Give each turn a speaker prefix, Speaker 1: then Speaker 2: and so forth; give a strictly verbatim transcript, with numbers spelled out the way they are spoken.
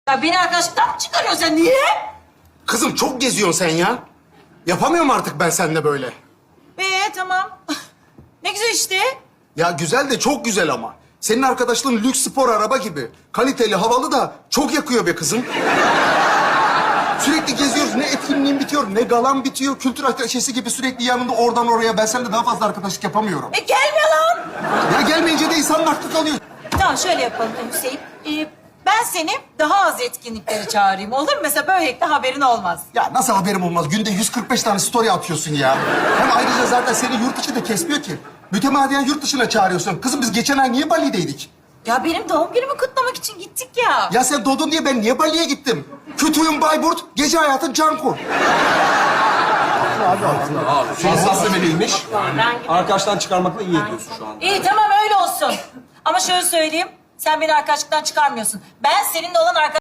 Speaker 1: Ya beni arkadaşlıktan mı çıkarıyorsun sen? Niye?
Speaker 2: Kızım çok geziyorsun sen ya. Yapamıyorum artık ben seninle böyle.
Speaker 1: Ee tamam. Ne güzel işte.
Speaker 2: Ya güzel de çok güzel ama. Senin arkadaşlığın lüks spor araba gibi. Kaliteli, havalı da çok yakıyor be kızım. Sürekli geziyoruz. Ne etkinliğin bitiyor, ne galan bitiyor. Kültür ateşesi gibi sürekli yanında oradan oraya. Ben seninle daha fazla arkadaşlık yapamıyorum.
Speaker 1: E gelme lan.
Speaker 2: Ya gelmeyince de insanın aklı kalıyor.
Speaker 1: Tamam şöyle yapalım Hüseyin. Ee, ben seni daha az etkinliklere çağırayım. Olur mu? Mesela böylelikle haberin olmaz.
Speaker 2: Ya nasıl haberim olmaz? Günde yüz kırk beş tane story atıyorsun ya. Hem ayrıca zaten seni yurt içi de kesmiyor ki. Mütemadiyen yurt dışına çağırıyorsun. Kızım biz geçen ay niye Bali'deydik?
Speaker 1: Ya benim doğum günümü kutlamak için gittik ya.
Speaker 2: Ya sen doğdun diye ben niye Bali'ye gittim? Kütüğün Bayburt, gece hayatın Canku.
Speaker 3: Şanslı meliymiş. Arkadaştan çıkarmakla iyi ediyorsun şu anda.
Speaker 1: İyi tamam öyle olsun. Ama şöyle söyleyeyim. Sen beni arkadaşlıktan çıkarmıyorsun. Ben seninle olan arkadaş...